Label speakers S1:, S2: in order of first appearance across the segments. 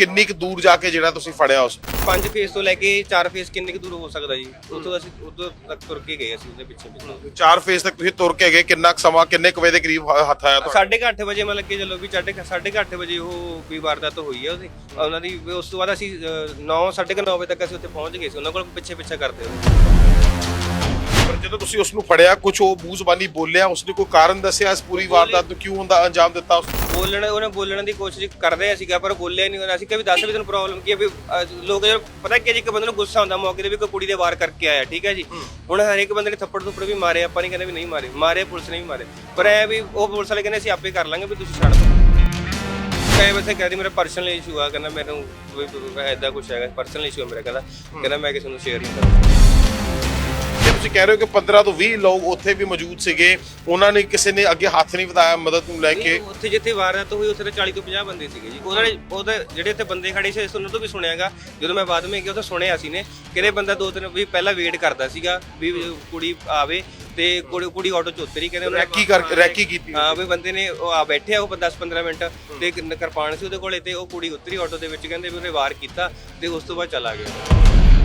S1: ਕਿੰਨੀ ਕੁ ਦੂਰ ਜਾ ਕੇ ਜਿਹੜਾ ਤੁਸੀਂ ਫੜਿਆ ਉਸ
S2: 5 ਫੇਸ ਤੋਂ ਲੈ ਕੇ 4 ਫੇਸ ਕਿੰਨੇ ਕੁ ਦੂਰ ਹੋ ਸਕਦਾ ਜੀ? ਉੱਥੋਂ ਅਸੀਂ ਉਦੋਂ ਤੱਕ ਤੁਰ ਕੇ ਗਏ ਅਸੀਂ ਉਹਦੇ ਪਿੱਛੇ
S1: 4 ਫੇਸ ਤੱਕ ਤੁਸੀਂ ਤੁਰ ਕੇ ਗਏ, ਕਿੰਨਾ ਕੁ ਸਮਾਂ ਕਿੰਨੇ ਕੁ ਵਜੇ ਦੇ ਕਰੀਬ ਹੱਥ ਆਇਆ ਤੁਹਾਡਾ?
S2: 8:30 ਵਜੇ ਮਤਲਬ ਕਿ ਚਲੋ ਵੀ 8:30 ਵਜੇ ਉਹ ਵੀ ਵਾਰਦਾਤ ਹੋਈ ਹੈ ਉਹਦੀ ਉਹਨਾਂ ਦੀ। ਉਸ ਤੋਂ ਬਾਅਦ ਅਸੀਂ 9:30 ਵਜੇ ਤੱਕ ਅਸੀਂ ਉੱਥੇ ਪਹੁੰਚ ਗਏ ਸੀ, ਉਹਨਾਂ ਕੋਲ ਪਿੱਛੇ ਕਰਦੇ ਹੋਏ।
S1: ਪਰ ਜਦੋਂ ਤੁਸੀਂ ਉਸ ਨੂੰ ਫੜਿਆ, ਕੁਝ ਉਹ ਮੂੰਹ ਜ਼ਬਾਨੀ ਬੋਲਿਆ, ਉਸਨੇ ਕੋਈ ਕਾਰਨ ਦੱਸਿਆ ਇਸ ਪੂਰੀ ਵਾਰਦਾਤ ਨੂੰ ਕਿਉਂ ਹੁੰਦਾ ਅੰਜਾਮ ਦਿੱਤਾ?
S2: ਉਹਨੇ ਬੋਲਣ ਦੀ ਕੋਸ਼ਿਸ਼ ਕਰਦੇ ਸੀਗਾ ਪਰ ਬੋਲਿਆ ਨਹੀਂ ਉਹਨਾਂ। ਅਸੀਂ ਕਿਹਾ ਵੀ ਦੱਸ ਵੀ ਤੈਨੂੰ ਪ੍ਰੋਬਲਮ ਕੀ ਹੈ? ਵੀ ਲੋਕ ਪਤਾ ਕੀ ਹੈ ਜੀ, ਇੱਕ ਬੰਦੇ ਨੂੰ ਗੁੱਸਾ ਹੁੰਦਾ ਮੌਕੇ ਤੇ ਵੀ ਕੋਈ ਕੁੜੀ ਦੇ ਵਾਰ ਕਰਕੇ ਆਇਆ, ਠੀਕ ਹੈ ਜੀ। ਹੁਣ ਹਰੇਕ ਬੰਦੇ ਨੇ ਥੱਪੜ ਵੀ ਮਾਰੇ, ਆਪਾਂ ਨਹੀਂ ਕਹਿੰਦੇ ਵੀ ਨਹੀਂ ਮਾਰੇ ਪੁਲਿਸ ਨੇ ਵੀ ਮਾਰੇ, ਪਰ ਐ ਵੀ ਉਹ ਪੁਲਿਸ ਵਾਲੇ ਕਹਿੰਦੇ ਅਸੀਂ ਆਪੇ ਕਰ ਲਾਂਗੇ ਵੀ ਤੁਸੀਂ ਛੱਡ ਦਿਓ। ਕਈ ਵੈਸੇ ਕਹਿੰਦੀ ਮੇਰਾ ਪਰਸਨਲ ਇਸ਼ੂ ਆ, ਕਹਿੰਦਾ ਮੈਨੂੰ ਐਦਾਂ ਕੁਛ ਹੈਗਾ, ਪਰਸਨਲ ਇਸ਼ੂ ਹੈ ਮੇਰਾ, ਕਹਿੰਦਾ ਮੈਂ ਕਿਸੇ ਨੂੰ ਸ਼ੇਅਰ ਨਹੀਂ ਕਰਦਾ।
S1: ਤੁਸੀਂ ਕਹਿ ਰਹੇ ਹੋ ਕਿ 15 ਤੋਂ 20 ਲੋਕ ਉੱਥੇ ਵੀ ਮੌਜੂਦ ਸੀਗੇ, ਉਹਨਾਂ ਨੇ ਕਿਸੇ ਨੇ ਅੱਗੇ ਹੱਥ ਨਹੀਂ ਵਧਾਇਆ ਮਦਦ ਨੂੰ ਲੈ ਕੇ?
S2: ਉੱਥੇ ਜਿੱਥੇ ਵਾਰਦਾਤ ਹੋਈ ਉੱਥੇ ਤਾਂ 40 ਤੋਂ 50 ਬੰਦੇ ਸੀਗੇ ਜੀ। ਉਹਦੇ ਜਿਹੜੇ ਇੱਥੇ ਬੰਦੇ ਖੜੇ ਸੀ ਉਹਨਾਂ ਤੋਂ ਵੀ ਸੁਣਿਆਗਾ, ਜਦੋਂ ਮੈਂ ਬਾਅਦ ਵਿੱਚ ਗਿਆ ਉੱਥੇ ਸੁਣਿਆ ਸੀ ਨੇ ਕਿਹੜੇ ਬੰਦਾ 2-3 ਵੀ ਪਹਿਲਾਂ ਵੇਟ ਕਰਦਾ ਸੀਗਾ ਵੀ ਕੁੜੀ ਆਵੇ, ਤੇ ਕੁੜੀ ਆਟੋ ਚ ਉਤਰੀ, ਕਹਿੰਦੇ
S1: ਰੈਕੀ ਕੀਤੀ।
S2: ਹਾਂ ਵੀ ਬੰਦੇ ਨੇ ਉਹ ਆ ਬੈਠੇ ਆ ਉਹ 10-15 ਮਿੰਟ ਤੇ ਕਿਰਪਾਨ ਸੀ ਉਹਦੇ ਕੋਲੇ, ਤੇ ਉਹ ਕੁੜੀ ਉਤਰੀ ਆਟੋ ਦੇ ਵਿੱਚ, ਕਹਿੰਦੇ ਵੀ ਉਹਨੇ ਵਾਰ ਕੀਤਾ ਤੇ ਉਸ ਤੋਂ ਬਾਅਦ ਚਲਾ ਗਿਆ।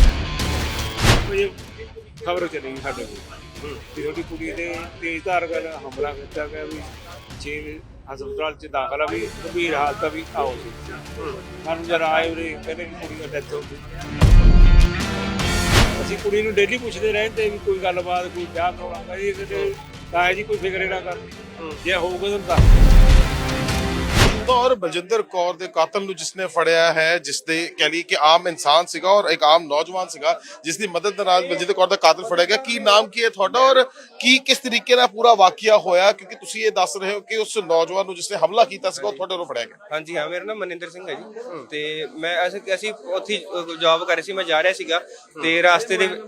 S3: ਖਬਰ ਚਲੀ ਗਈ ਸਾਡੇ ਕੋਲ ਕਿ ਉਹਦੀ ਕੁੜੀ ਦੇ ਤੇਜ਼ਧਾਰ ਨਾਲ ਹਮਲਾ ਕੀਤਾ ਗਿਆ, ਵੀ 6 ਹਸਪਤਾਲ ਚ ਦਾਖਲ ਆ, ਵੀ ਗੰਭੀਰ ਹਾਲਤ ਆ, ਵੀ ਆਓ ਸੀ। ਸਾਨੂੰ ਜਰਾ ਆਏ ਉਰੇ ਕਹਿੰਦੇ ਵੀ ਕੁੜੀ ਦਾ ਡੈਥ ਹੋ ਗਈ। ਅਸੀਂ ਕੁੜੀ ਨੂੰ ਡੇਲੀ ਪੁੱਛਦੇ ਰਹਿੰਦੇ ਵੀ ਕੋਈ ਗੱਲਬਾਤ, ਕੋਈ ਵਿਆਹ ਕਰਾਉਣਾ ਜੀ, ਤਾਂ ਜੀ ਕੋਈ ਫਿਕਰੇ ਨਾ ਕਰ, ਜੇ ਹੋਊਗਾ ਤਾਂ ਦੱਸ।
S1: और बलजिंदर कौर ਦੇ ਕਾਤਲ ਨੂੰ ਜਿਸਨੇ ਫੜਿਆ ਹੈ, ਜਿਸ ਦੇ ਕਹਿ ਲਈ ਕਿ ਆਮ ਇਨਸਾਨ ਸੀਗਾ ਔਰ ਇੱਕ ਆਮ ਨੌਜਵਾਨ ਸੀਗਾ, ਜਿਸ ਦੀ ਮਦਦ ਦੇ ਨਾਲ ਬਲਜਿੰਦਰ ਕੌਰ ਦਾ ਕਾਤਲ ਫੜਿਆ ਗਿਆ। ਕੀ ਨਾਮ ਕੀ ਹੈ ਤੁਹਾਡਾ ਔਰ ਕਿਸ ਤਰੀਕੇ ਨਾਲ ਪੂਰਾ ਵਾਕਿਆ ਹੋਇਆ? ਕਿਉਂਕਿ ਤੁਸੀਂ ਇਹ ਦੱਸ ਰਹੇ ਹੋ ਕਿ ਉਸ ਨੌਜਵਾਨ ਨੂੰ ਜਿਸਨੇ ਹਮਲਾ ਕੀਤਾ ਸੀਗਾ ਉਹ ਤੁਹਾਡੇ ਵੱਲੋਂ ਫੜਿਆ ਗਿਆ।
S2: ਹਾਂਜੀ ਹਾਂ, ਮੇਰਾ ਨਾਮ ਮਨਿੰਦਰ ਸਿੰਘ ਹੈ ਜੀ, ਤੇ ਮੈਂ ਅਸੀਂ ਉੱਥੇ ਜੌਬ ਕਰ ਰਹੇ ਸੀ, ਮੈਂ ਜਾ ਰਿਹਾ ਸੀਗਾ ਤੇ ਰਾਸਤੇ ਦੇ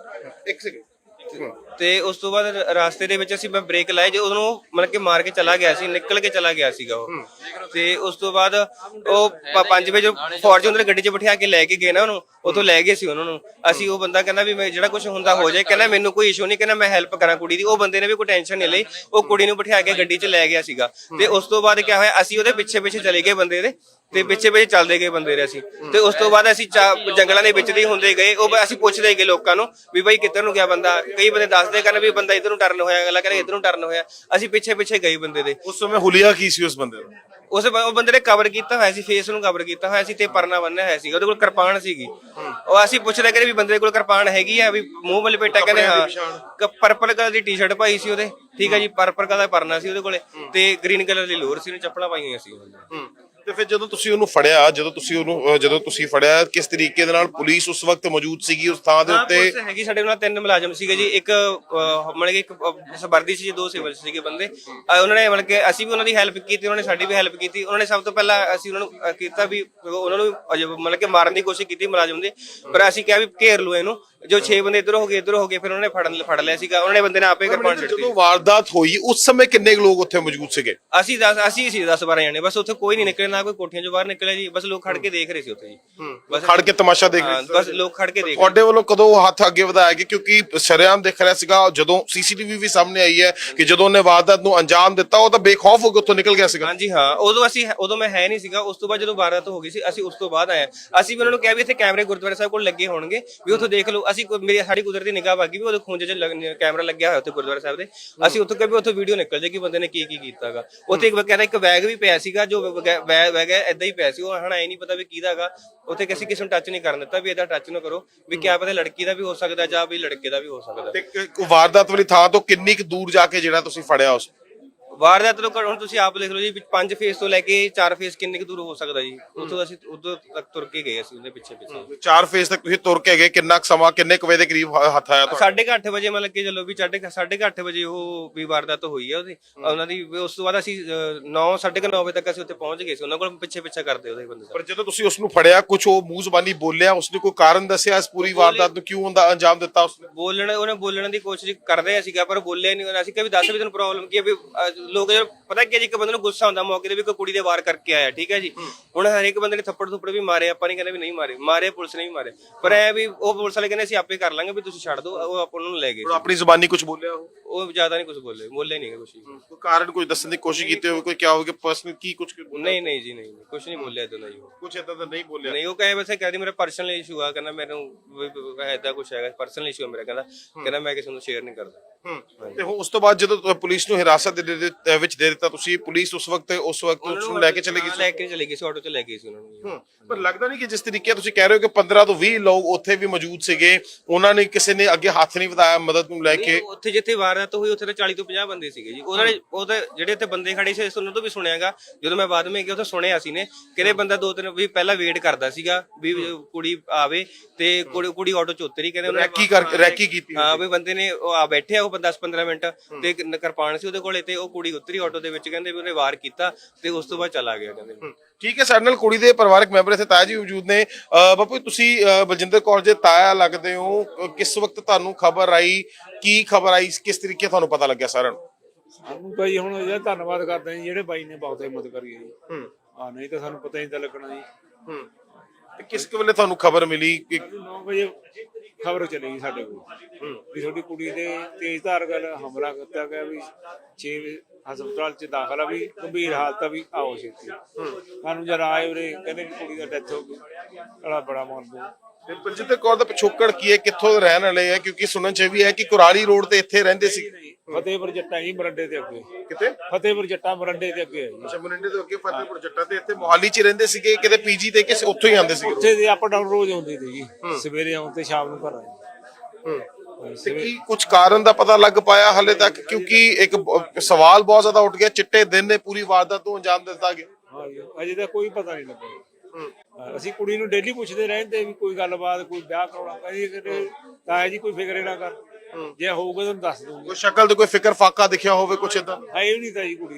S2: ਤੇ ਉਸ ਤੋਂ ਬਾਅਦ ਰਾਸਤੇ ਦੇ ਵਿੱਚ ਅਸੀਂ ਮੈਂ ਬ੍ਰੇਕ ਲਾਏ, ਜੇ ਉਹਨੂੰ ਮਤਲਬ ਕਿ ਮਾਰ ਕੇ ਚਲਾ ਗਿਆ ਸੀ, ਨਿਕਲ ਕੇ ਚਲਾ ਗਿਆ ਸੀਗਾ ਉਹ। ਤੇ ਉਸ ਤੋਂ ਬਾਅਦ ਉਹ 5 ਵਜੇ ਫੋਰਚੂਨਰ ਗੱਡੀ 'ਚ ਬਿਠਾ ਕੇ ਲੈ ਕੇ ਗਏ ਨਾ ਉਹਨੂੰ, ਉੱਥੋਂ ਲੈ ਗਏ ਸੀ ਉਹਨਾਂ ਨੂੰ ਅਸੀਂ। ਉਹ ਬੰਦਾ ਕਹਿੰਦਾ ਵੀ ਮੈਂ ਜਿਹੜਾ ਕੁਝ ਹੁੰਦਾ ਹੋ ਜਾਏ, ਕਹਿੰਦਾ ਮੈਨੂੰ ਕੋਈ ਇਸ਼ੂ ਨਹੀਂ, ਕਹਿੰਦਾ ਮੈਂ ਹੈਲਪ ਕਰਾਂ ਕੁੜੀ ਦੀ। ਉਹ ਬੰਦੇ ਨੇ ਵੀ ਕੋਈ ਟੈਨਸ਼ਨ ਨਹੀਂ ਲਈ, ਉਹ ਕੁੜੀ ਨੂੰ ਬਿਠਾ ਕੇ ਗੱਡੀ 'ਚ ਲੈ ਗਿਆ ਸੀਗਾ। ਤੇ ਉਸ ਤੋਂ ਬਾਅਦ ਕਿਆ ਹੋਇਆ, ਅਸੀਂ ਉਹਦੇ ਪਿੱਛੇ ਚਲੇ ਗਏ ਬੰਦੇ ਦੇ, ਤੇ ਪਿੱਛੇ ਚੱਲਦੇ ਗਏ ਬੰਦੇ ਦੇ ਅਸੀਂ। ਤੇ ਉਸ ਤੋਂ ਬਾਅਦ ਅਸੀਂ ਜੰਗਲਾਂ ਦੇ ਵਿੱਚ ਦੀ ਹੁੰਦੇ ਗਏ, ਉਹ ਅਸੀਂ ਪੁੱਛਦੇ ਗਏ ਲੋਕਾਂ ਨੂੰ ਵੀ ਬਾਈ ਕਿੱਧਰ ਨੂੰ ਗਿਆ ਬੰਦਾ। ਕਈ ਬੰਦੇ ਦੱਸਦੇ ਕਹਿੰਦੇ ਵੀ ਬੰਦਾ ਇੱਧਰ ਨੂੰ ਟਰਨ ਹੋਇਆ, ਅਗਲਾ ਕਹਿੰਦਾ ਇੱਧਰ ਨੂੰ ਟਰਨ ਹੋਇਆ। ਅਸੀਂ ਪਿੱਛੇ ਗਏ ਬੰਦੇ ਦੇ।
S1: ਉਸ ਸਮੇਂ ਹੁਲੀਆ ਕੀ ਸੀ ਉਸ ਬੰਦੇ ਦਾ?
S2: ਉਹ ਬੰਦੇ ਨੇ ਕਵਰ ਕੀਤਾ ਹੋਇਆ ਸੀ, ਫੇਸ ਨੂੰ ਕਵਰ ਕੀਤਾ ਹੋਇਆ ਸੀ ਤੇ ਪਰਨਾ ਬੰਨਿਆ ਹੋਇਆ ਸੀਗਾ, ਉਹਦੇ ਕੋਲ ਕਿਰਪਾਨ ਸੀਗੀ। ਉਹ ਅਸੀਂ ਪੁੱਛਦੇ ਕਹਿੰਦੇ ਵੀ ਬੰਦੇ ਕੋਲ ਕਿਰਪਾਨ ਹੈਗੀ ਆ, ਵੀ ਮੂੰਹ ਵੱਲ ਲਪੇਟਾ, ਕਹਿੰਦੇ ਹਾਂ। ਪਰਪਲ ਕਲਰ ਦੀ ਟੀ-ਸ਼ਰਟ ਪਾਈ ਸੀ ਉਹਦੇ, ਠੀਕ ਹੈ ਜੀ, ਪਰਪਲ ਕਲਰ ਦਾ ਪਰਨਾ ਸੀ ਉਹਦੇ ਕੋਲੇ, ਤੇ ਗ੍ਰੀਨ ਕਲਰ ਦੀ ਲੋਅਰ ਸੀ, ਉਹਨੇ ਚੱਪਲਾਂ ਪਾਈਆਂ ਹੋਈਆਂ ਸੀ।
S1: ਤੇ ਫਿਰ ਜਦੋਂ ਤੁਸੀਂ ਉਹਨੂੰ ਫੜਿਆ, ਜਦੋਂ ਤੁਸੀਂ ਫੜਿਆ, ਕਿਸ ਤਰੀਕੇ ਦੇ ਨਾਲ ਪੁਲਿਸ ਉਸ ਵਕਤ ਮੌਜੂਦ ਸੀਗੀ ਉਸ ਥਾਂ ਦੇ ਉੱਤੇ?
S2: ਹੈਗੀ ਸਾਡੇ ਨਾਲ 3 ਮੁਲਾਜ਼ਮ ਸੀਗੇ ਜੀ, ਇੱਕ ਮਤਲਬ ਕਿ ਇੱਕ ਵਰਦੀ ਸੀ, 2 ਸਿਵਲ ਸੀਗੇ ਬੰਦੇ। ਉਹਨਾਂ ਨੇ ਮਤਲਬ ਕਿ ਅਸੀਂ ਵੀ ਉਹਨਾਂ ਦੀ ਹੈਲਪ ਕੀਤੀ, ਉਹਨਾਂ ਨੇ ਸਾਡੀ ਵੀ ਹੈਲਪ ਕੀਤੀ। ਉਹਨਾਂ ਨੇ ਸਭ ਤੋਂ ਪਹਿਲਾਂ ਅਸੀਂ ਉਹਨਾਂ ਨੂੰ ਕੀਤਾ ਵੀ ਉਹਨਾਂ ਨੂੰ ਮਤਲਬ ਕਿ ਮਾਰਨ ਦੀ ਕੋਸ਼ਿਸ਼ ਕੀਤੀ ਮੁਲਾਜ਼ਮ ਦੇ, ਪਰ ਅਸੀਂ ਕਿਹਾ ਵੀ ਘੇਰ ਲਓ ਇਹਨੂੰ। ਜੋ 6 ਬੰਦੇ ਇੱਧਰ ਹੋ ਗਏ ਫਿਰ ਉਹਨਾਂ ਨੇ ਫੜ ਲਿਆ ਸੀਗਾ। ਉਹਨਾਂ ਨੇ ਬੰਦੇ ਨੇ ਆਪੇ ਕਿਰਪਾਨ ਛੱਡ ਦਿੱਤੀ।
S1: ਜਦੋਂ ਵਾਰਦਾਤ ਹੋਈ ਉਸ ਸਮੇਂ ਕਿੰਨੇ ਲੋਕ ਉੱਥੇ ਮੌਜੂਦ ਸੀਗੇ?
S2: ਅਸੀਂ ਸੀ 10-12 ਜਣੇ ਬਸ। ਉੱਥੇ ਕੋਈ ਨਹੀਂ ਨਿਕਲੇ, ਨਾ ਕੋਈ ਕੋਠੀਆਂ ਚੋਂ ਬਾਹਰ ਨਿਕਲਿਆ ਜੀ, ਬਸ ਲੋਕ ਖੜ ਕੇ ਦੇਖ ਰਹੇ ਸੀ ਉੱਥੇ ਜੀ, ਬਸ
S1: ਖੜ ਕੇ ਤਮਾਸ਼ਾ ਦੇਖ ਰਹੇ ਸੀ।
S2: ਬਸ ਲੋਕ ਖੜ ਕੇ ਦੇਖ ਰਹੇ।
S1: ਤੁਹਾਡੇ ਵੱਲੋਂ ਕਦੋਂ ਹੱਥ ਅੱਗੇ ਵਧਾਇਆ ਗਿਆ? ਕਿਉਂਕਿ ਸ਼ਰੇਆਮ ਦੇਖ ਰਿਹਾ ਸੀਗਾ, ਜਦੋਂ ਸੀਸੀਟੀਵੀ ਵੀ ਸਾਹਮਣੇ ਆਈ ਹੈ ਕਿ ਜਦੋਂ ਉਹਨੇ ਵਾਰਦਾਤ ਨੂੰ ਅੰਜਾਮ ਦਿੱਤਾ ਉਹ ਤਾਂ ਬੇਖੌਫ ਹੋ ਕੇ ਉੱਥੋਂ ਨਿਕਲ ਗਿਆ ਸੀਗਾ।
S2: ਹਾਂਜੀ ਹਾਂ, ਉਦੋਂ ਮੈਂ ਹੈ ਨਹੀਂ ਸੀਗਾ। ਉਸ ਤੋਂ ਬਾਅਦ ਜਦੋਂ ਵਾਰਦਾਤ ਹੋ ਗਈ ਸੀ ਅਸੀਂ ਉਸ ਤੋਂ ਬਾਅਦ ਆਏ। ਅਸੀਂ ਵੀ ਉਹਨਾਂ ਨੂੰ ਕਿਹਾ ਵੀ ਇੱਥੇ ਕੈਮਰੇ ਗੁਰਦੁਆਰਾ ਸਾਹਿਬ ਕੋਲ ਲੱਗੇ ਹੋਣਗੇ, ਵੀ ਉੱਥੋਂ ਦੇਖ ਲਓ। ਸਾਡੀ ਕੁਦਰਤੀ ਨਿਗਾਹ ਵਾਗੀ ਵੀ ਉਹਦੇ ਖੂੰਜੇ 'ਚ ਕੈਮਰਾ ਲੱਗਿਆ ਹੋਇਆ ਉੱਥੇ ਗੁਰਦੁਆਰਾ ਸਾਹਿਬ ਦੇ। ਅਸੀਂ ਉੱਥੋਂ ਕਿਹਾ ਵੀ ਉੱਥੋਂ ਵੀਡੀਓ ਨਿਕਲ ਜਾਏਗੀ ਬੰਦੇ ਨੇ ਕੀ ਕੀਤਾਗਾ। ਉੱਥੇ ਇੱਕ ਬੈਗ ਵੀ ਪਿਆ ਸੀਗਾ, ਜੋ ਬੈਗ ਏਦਾਂ ਹੀ ਪਿਆ ਸੀ, ਉਹ ਹਣਾ ਇਹ ਨਹੀਂ ਪਤਾ ਵੀ ਕਿਹਦਾ ਹੈਗਾ। ਉੱਥੇ ਕਿਸੇ ਨੂੰ ਟੱਚ ਨਹੀਂ ਕਰਨ ਦਿੱਤਾ ਵੀ ਇਹਦਾ ਟੱਚ ਨਾ ਕਰੋ, ਵੀ ਕਿਆ ਪਤਾ ਲੜਕੀ ਦਾ ਵੀ ਹੋ ਸਕਦਾ ਜਾਂ ਵੀ ਲੜਕੇ ਦਾ ਵੀ ਹੋ ਸਕਦਾ।
S1: ਤੇ ਵਾਰਦਾਤ ਵਾਲੀ ਥਾਂ ਤੋਂ ਕਿੰਨੀ ਕੁ ਦੂਰ ਜਾ ਕੇ ਜਿਹੜਾ ਤੁਸੀਂ ਫੜਿਆ ਉਸ?
S2: ਵਾਰਦਾਤ ਤੋਂ ਹੁਣ ਤੁਸੀਂ ਆਪ ਦੇਖ ਲਓ ਜੀ, 5 ਫੇਸ ਤੋਂ ਲੈ ਕੇ 4 ਫੇਸ ਕਿੰਨੇ ਕੁ ਦੂਰ ਹੋ ਸਕਦਾ ਜੀ? ਉੱਥੋਂ ਅਸੀਂ ਉਦੋਂ ਤੱਕ ਤੁਰ ਕੇ ਗਏ ਅਸੀਂ ਉਹਦੇ ਪਿੱਛੇ
S1: 4 ਫੇਸ ਤੱਕ ਤੁਸੀਂ ਤੁਰ ਕੇ ਗਏ, ਕਿੰਨਾ ਸਮਾਂ ਕਿੰਨੇ ਕੁ ਵਜੇ ਦੇ ਕਰੀਬ ਹੱਥ ਆਇਆ ਤੁਹਾਡਾ?
S2: 8:30 ਵਜੇ ਮਤਲਬ ਕਿ ਚਲੋ ਵੀ 8:30 ਵਜੇ ਉਹ ਵੀ ਵਾਰਦਾਤ ਹੋਈ ਹੈ ਉਹਦੀ ਉਹਨਾਂ ਦੀ। ਉਸ ਤੋਂ ਬਾਅਦ ਅਸੀਂ 9:30 ਵਜੇ ਤੱਕ ਅਸੀਂ ਉੱਥੇ ਪਹੁੰਚ ਗਏ ਸੀ, ਉਹਨਾਂ ਕੋਲ ਪਿੱਛੇ ਕਰਦੇ ਉਹਦੇ ਬੰਦੇ।
S1: ਪਰ ਜਦੋਂ ਤੁਸੀਂ ਉਸ ਨੂੰ ਫੜਿਆ, ਕੁਝ ਉਹ ਮੂੰਹ ਜ਼ਬਾਨੀ ਬੋਲਿਆ, ਉਸਨੇ ਕੋਈ ਕਾਰਨ ਦੱਸਿਆ ਇਸ ਪੂਰੀ ਵਾਰਦਾਤ ਨੂੰ ਕਿਉਂ ਹੁੰਦਾ ਅੰਜਾਮ ਦਿੱਤਾ ਉਸਨੇ?
S2: ਉਹਨੇ ਬੋਲਣ ਦੀ ਕੋਸ਼ਿਸ਼ ਕਰਦੇ ਸੀਗਾ ਪਰ ਬੋਲਿਆ ਨਹੀਂ ਉਹਨਾਂ। ਅਸੀਂ ਕਿਹਾ ਵੀ ਦੱਸ ਵੀ ਤੈਨੂੰ ਪ੍ਰੋਬਲਮ ਕੀ ਹੈ? ਵੀ ਲੋਕ ਜਦੋਂ ਪਤਾ ਕੀ ਹੈ ਜੀ, ਇੱਕ ਬੰਦੇ ਨੂੰ ਗੁੱਸਾ ਹੁੰਦਾ ਮੌਕੇ ਤੇ ਵੀ ਕੋਈ ਕੁੜੀ ਦੇ ਵਾਰ ਕਰਕੇ ਆਇਆ, ਠੀਕ ਹੈ ਜੀ। ਹੁਣ ਹਰੇਕ ਬੰਦੇ ਨੇ ਥੱਪੜ ਥੁੱਪੜ ਵੀ ਮਾਰੇ, ਆਪਾਂ ਨਹੀਂ ਕਹਿੰਦੇ ਵੀ ਨਹੀਂ ਮਾਰੇ ਪੁਲਿਸ ਨੇ ਵੀ ਮਾਰੇ, ਪਰ ਐ ਵੀ ਉਹ ਪੁਲਿਸ ਵਾਲੇ ਕਹਿੰਦੇ ਅਸੀਂ ਆਪੇ ਕਰ ਲਾਂਗੇ ਵੀ ਤੁਸੀਂ ਛੱਡ ਦਿਓ, ਉਹ ਆਪਾਂ ਨੂੰ ਲੈ ਗਏ।
S1: ਆਪਣੀ ਜ਼ੁਬਾਨੀ ਕੁਝ ਬੋਲਿਆ
S2: ਉਹ ਜ਼ਿਆਦਾ ਨਹੀਂ ਕੁਝ ਬੋਲੇ ਨਹੀਂ ਕੁਝ।
S1: ਕੋਈ ਕਾਰਨ ਕੁਝ ਦੱਸਣ ਦੀ ਕੋਸ਼ਿਸ਼ ਕੀਤੀ ਹੋਵੇ, ਕੋਈ ਕਿਹਾ ਹੋਵੇ ਕਿ ਪਰਸਨਲ ਕੀ ਕੁਝ
S2: ਨਹੀਂ ਜੀ ਨਹੀਂ, ਕੁਝ ਨਹੀਂ ਬੋਲਿਆ ਇਦਾਂ ਦਾ ਜੀ।
S1: ਕੁਝ ਇਦਾਂ ਦਾ ਨਹੀਂ ਬੋਲਿਆ।
S2: ਨਹੀਂ, ਉਹ ਕਹੇ ਵੈਸੇ ਕਹਿੰਦੀ ਮੇਰਾ ਪਰਸਨਲ ਇਸ਼ੂ ਆ, ਕਹਿੰਦਾ ਮੈਨੂੰ ਇਦਾਂ ਕੁਝ ਹੈਗਾ, ਪਰਸਨਲ ਇਸ਼ੂ ਹੈ ਮੇਰਾ, ਕਹਿੰਦਾ ਮੈਂ ਕਿਸੇ ਨੂੰ ਸ਼ੇਅਰ ਨਹੀਂ ਕਰਦਾ।
S1: ਤੇ ਉਸ ਤੋਂ ਬਾਅਦ ਜਦੋਂ ਪੁਲਿਸ ਨੂੰ ਹਿਰਾਸਤ ਦੇ ਵਿੱਚ ਦੇ ਦਿੱਤਾ ਤੁਸੀਂ, ਪੁਲਿਸ ਉਸ ਵਕਤ ਉਸ ਨੂੰ ਲੈ ਕੇ ਚਲੇ ਗਈ
S2: ਸੀ, ਆਟੋ 'ਚ ਲੈ ਗਈ ਸੀ ਉਹਨਾਂ ਨੂੰ।
S1: ਪਰ ਲੱਗਦਾ ਨਹੀਂ ਕਿ ਜਿਸ ਤਰੀਕੇ ਤੁਸੀਂ ਕਹਿ ਰਹੇ ਹੋ ਕਿ 15 ਤੋਂ 20 ਲੋਕ ਉੱਥੇ ਵੀ ਮੌਜੂਦ ਸੀਗੇ, ਉਹਨਾਂ ਨੇ ਕਿਸੇ ਨੇ ਅੱਗੇ ਹੱਥ ਨਹੀਂ ਵਧਾਇਆ ਮਦਦ ਨੂੰ ਲੈ ਕੇ?
S2: ਉੱਥੇ ਜਿੱਥੇ ਵਾਰਦਾਤ ਹੋਈ ਉੱਥੇ ਤਾਂ 40 ਤੋਂ 50 ਬੰਦੇ ਸੀਗੇ ਜੀ। ਉਹਨਾਂ ਨੇ ਉਹ ਤਾਂ ਜਿਹੜੇ ਉੱਥੇ ਬੰਦੇ ਖੜੇ ਸੀ ਉਹਨਾਂ ਤੋਂ ਵੀ ਸੁਣਿਆਗਾ, ਜਦੋਂ ਮੈਂ ਬਾਅਦ ਵਿੱਚ ਗਿਆ ਉੱਥੇ ਸੁਣਿਆ ਸੀ ਨੇ ਕਿਹੜੇ ਬੰਦਾ 2-3 ਵੀ ਪਹਿਲਾਂ ਵੇਟ ਕਰਦਾ ਸੀਗਾ ਵੀ ਕੁੜੀ ਆਵੇ, ਤੇ ਕੁੜੀ ਆਟੋ 'ਚ ਉਤਰੀ, ਕਹਿੰਦੇ ਉਹਨੇ
S1: ਰੈਕੀ ਕੀਤੀ।
S2: ਹਾਂ ਵੀ ਬੰਦੇ ਨੇ ਆ ਬੈਠਿਆ ਉਹ 10-15 ਮਿੰਟ ਤੇ ਕਿਰਪਾਨ ਸੀ ਉਹਦੇ ਕੋਲੇ, ਤੇ ਉਹ ਕੁੜੀ ਉਤਰੀ ਆਟੋ ਦੇ ਵਿੱਚ, ਕਹਿੰਦੇ ਵੀ ਉਹਨੇ ਵਾਰ ਕੀਤਾ ਤੇ ਉਸ ਤੋਂ ਬਾਅਦ ਚਲਾ ਗਿਆ ਕਹਿੰਦੇ।
S1: ਠੀਕ ਹੈ, ਸਾਡੇ ਨਾਲ ਕੁੜੀ ਦੇ ਪਰਿਵਾਰਕ ਮੈਂਬਰ ਇੱਥੇ ਤਾਇਆ ਜੀ ਮੌਜੂਦ ਨੇ। ਬਾਪੂ ਤੁਸੀਂ ਬਲਜਿੰਦਰ ਕੌਰ ਦੇ ਤਾਇਆ ਲੱਗਦੇ ਹੋ, ਕਿਸ ਵਕਤ ਤੁਹਾਨੂੰ ਖਬਰ ਆਈ, ਕੀ ਖਬਰ ਆਈ, ਕਿਸ ਤਰੀਕੇ ਤੁਹਾਨੂੰ ਪਤਾ ਲੱਗਿਆ ਸਾਰਿਆਂ ਨੂੰ?
S3: ਸਾਨੂੰ ਭਾਈ ਹੁਣ ਇਹ ਧੰਨਵਾਦ ਕਰਦੇ ਜੀ ਜਿਹੜੇ ਬਾਈ ਨੇ ਬਹੁਤ ਹਿੰਮਤ ਕਰੀ ਹੈ ਜੀ। ਨਹੀਂ ਤਾਂ ਸਾਨੂੰ ਪਤਾ ਹੀ ਤਾਂ ਲੱਗਣਾ ਜੀ।
S1: ਤੇ ਕਿਸ ਵੇਲੇ ਤੁਹਾਨੂੰ ਖਬਰ ਮਿਲੀ ਕਿ
S3: 9 ਵਜੇ ਖਬਰ ਚਲੀ ਗਈ ਸਾਡੇ ਕੋਲ ਵੀ ਤੁਹਾਡੀ ਕੁੜੀ ਦੇ ਤੇਜ਼ਧਾਰ ਗੱਲ ਹਮਲਾ ਕੀਤਾ ਗਿਆ, ਵੀ 6 ਹਸਪਤਾਲ 'ਚ ਦਾਖਲ ਆ, ਵੀ ਗੰਭੀਰ ਹਾਲਤ ਆ, ਵੀ ਆਓ ਛੇਤੀ। ਸਾਨੂੰ ਜਦ ਆਏ ਉਰੇ ਕਹਿੰਦੇ ਵੀ ਕੁੜੀ ਦਾ ਡੈਥ ਹੋ ਗਈ, ਬੜਾ ਮਨ।
S1: ਬਲਜਿੰਦਰ ਕੌਰ ਦਾ ਪਿਛੋਕੜ ਕੀ ਹੈ, ਕਿੱਥੋਂ ਦੇ ਰਹਿਣ ਵਾਲੇ ਹੈ? ਕਿਉਂਕਿ ਸੁਣਨ ਚ ਵੀ ਹੈ ਕਿ ਕੁਰਾਲੀ ਰੋਡ ਤੇ ਇੱਥੇ ਰਹਿੰਦੇ ਸੀ।
S3: ਫਤਿਹਪੁਰ ਜੱਟਾਂ ਜੀ, ਮਰੰਡੇ ਦੇ ਅੱਗੇ।
S1: ਕਿਤੇ
S3: ਫਤਿਹਪੁਰ ਜੱਟਾਂ ਮਰੰਡੇ ਦੇ ਅੱਗੇ ਹੈ ਜੀ।
S1: ਅੱਛਾ, ਮਰਿੰਡੇ ਤੋਂ ਅੱਗੇ ਫਤਿਹਪੁਰ ਜੱਟਾਂ ਤੇ ਇੱਥੇ ਮੋਹਾਲੀ 'ਚ ਹੀ ਰਹਿੰਦੇ ਸੀਗੇ, ਕਿਤੇ ਪੀਜੀ ਤੇ ਕਿ ਉੱਥੋਂ ਹੀ ਆਉਂਦੇ ਸੀਗੇ?
S3: ਉੱਥੇ ਦੇ ਅਪ ਡਾਊਨ ਰੋਜ਼ ਆਉਂਦੇ ਸੀ ਜੀ, ਸਵੇਰੇ ਆਉਂ ਤੇ ਸ਼ਾਮ ਨੂੰ ਘਰ ਆਏ।
S1: ਤੇ ਕੀ ਕੁਝ ਕਾਰਨ ਦਾ ਪਤਾ ਲੱਗ ਪਾਇਆ ਹਾਲੇ ਤੱਕ? ਕਿਉਂਕਿ ਇੱਕ ਸਵਾਲ ਬਹੁਤ ਜ਼ਿਆਦਾ ਉੱਠ ਗਿਆ, ਚਿੱਟੇ ਦਿਨ ਨੇ ਪੂਰੀ ਵਾਰਦਾਤ ਨੂੰ ਅੰਜਾਮ ਦਿੱਤਾ ਗਿਆ।
S3: ਹਾਂ ਜੀ, ਅਜੇ ਤਾਂ ਕੋਈ ਪਤਾ ਨਹੀਂ ਲੱਗਾ। ਅਸੀਂ ਕੁੜੀ ਨੂੰ ਡੇਲੀ ਪੁੱਛਦੇ ਰਹਿੰਦੇ ਵੀ ਕੋਈ ਗੱਲਬਾਤ, ਕੋਈ ਵਿਆਹ ਕਰਾਉਣਾ, ਕਹਿੰਦੀ ਤਾਇਆ ਜੀ ਕੋਈ ਫਿਕਰੇ ਨਾ ਕਰ, ਜੇ ਹੋਊਗਾ ਤੁਹਾਨੂੰ ਦੱਸ ਦੂੰਗਾ।
S1: ਕੋਈ ਸ਼ਕਲ ਤੇ ਕੋਈ ਫਿਕਰ ਫਾਕਾ ਦਿਖਿਆ ਹੋਵੇ ਕੁਛ ਏਦਾਂ?
S3: ਹੈ ਹੀ ਨਹੀਂ ਤਾਂ ਜੀ ਕੁੜੀ।